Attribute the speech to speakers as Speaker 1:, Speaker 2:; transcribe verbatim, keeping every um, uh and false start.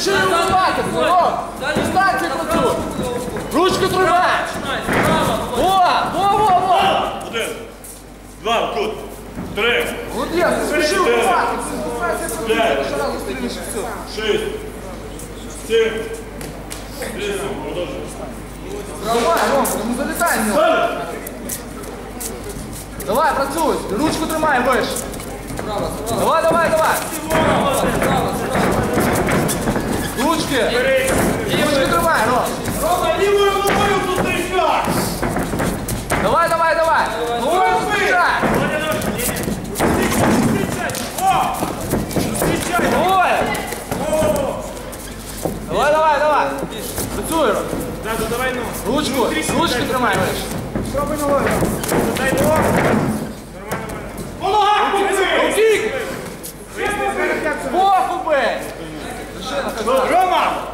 Speaker 1: спіши вибивати, Ром! Дистанцію працюй! Ручку тримай! Во! Во, во, во!
Speaker 2: Один, два, кут, три,
Speaker 1: Молодець, не спіши вибивати!
Speaker 2: п'ять, шість, сім, вісім, продовжуй.
Speaker 1: Давай, Ром, ну залітай в нього! Давай, працюй! Ручку тримай вище! Давай, давай, давай! Ручки! Ручки тримай, Ром!
Speaker 2: Рома, лівою ногою тут трясся!
Speaker 1: Давай, давай, давай! Ну, зустрічай! Ой! Давай, давай, давай! Працюй, Ром!
Speaker 2: Давай ногу.
Speaker 1: Ручку, ручки тримай вище!
Speaker 2: Спробуй ногою. Дай ногу. По ногах покажи!
Speaker 1: Рукік! Боху бей!
Speaker 2: Рома!